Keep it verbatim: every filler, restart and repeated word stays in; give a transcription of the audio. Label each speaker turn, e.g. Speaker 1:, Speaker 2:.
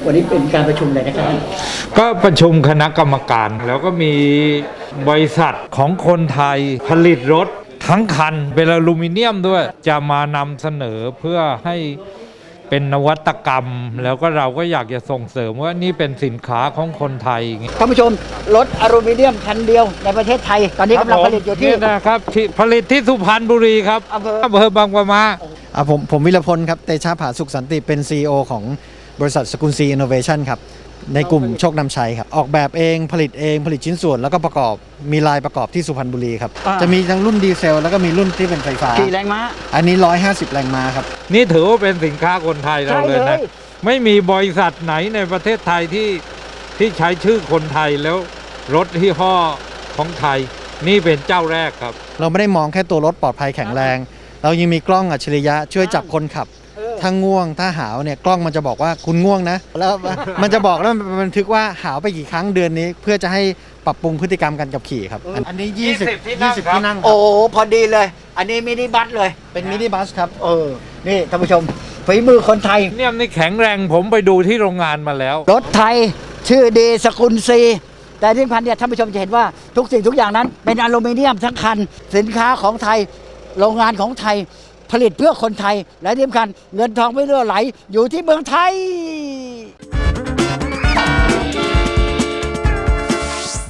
Speaker 1: วันนี้เป็นการประชุมอะไรนะครับ
Speaker 2: ก็ประชุมคณะกรรมการแล้วก็มีบริษัทของคนไทยผลิตรถทั้งคันเป็นอลูมิเนียมด้วยจะมานำเสนอเพื่อให้เป็นนวัตกรรมแล้วก็เราก็อยากจะส่งเสริมว่านี่เป็นสินค้าของคนไทย
Speaker 1: ท่านผู้ชมรถอลูมิเนียมคันเดียวในประเทศไทยตอนนี้กำลังผลิตอยู่ที่
Speaker 2: นะครับที่ผลิตที่สุพรรณบุรีครับอำเภออำเภอบางปะมา
Speaker 3: อ่าผมผมวิรพลครับเตชะผาสุขสันติเป็น ซี อี โอ ของบริษัทสกุลซีอินโนเวชันครับในกลุ่มโชคนำชัยครับออกแบบเองผลิตเองผลิตชิ้นส่วนแล้วก็ประกอบมีลายประกอบที่สุพรรณบุรีครับจะมีทั้งรุ่นดีเซลแล้วก็มีรุ่นที่เป็นไฟฟ้า
Speaker 1: กี่แรงม้า
Speaker 3: อันนี้หนึ่งร้อยห้าสิบแรงม้าครับ
Speaker 2: นี่ถือว่าเป็นสินค้าคนไทยเราเลยนะไม่มีบริษัทไหนในประเทศไทยที่ที่ใช้ชื่อคนไทยแล้วรถที่ห้อของไทยนี่เป็นเจ้าแรกครับ
Speaker 3: เราไม่ได้มองแค่ตัวรถปลอดภัยแข็งแรงเรายังมีกล้องอัจฉริยะช่วยจับคนขับถ้าง่วงถ้าหาวเนี่ยกล้องมันจะบอกว่าคุณง่วงนะแล้วมันจะบอกแล้วมันบันทึกว่าหาวไปกี่ครั้งเดือนนี้เพื่อจะให้ปรับปรุงพฤติกรรมการขับขี่ครับอันนี้ยี่สิบยี่สิบที่นั่ง
Speaker 1: โอ้พอดีเลยอันนี้มินิบัสเลย
Speaker 3: เป็นมินิบัสครับ
Speaker 1: เออนี่ท่านผู้ชมฝีมือคนไทย
Speaker 2: เนี่ยนี่แข็งแรงผมไปดูที่โรงงานมาแล้ว
Speaker 1: รถไทยชื่อดีสกุลซีแต่ที่สำคัญเนี่ยท่านผู้ชมจะเห็นว่าทุกสิ่งทุกอย่างนั้นเป็นอลูมิเนียมทั้งคันสินค้าของไทยโรงงานของไทยผลิตเพื่อคนไทยและที่สำคัญเงินทองไม่รั่วไหลอยู่ที่เมืองไทย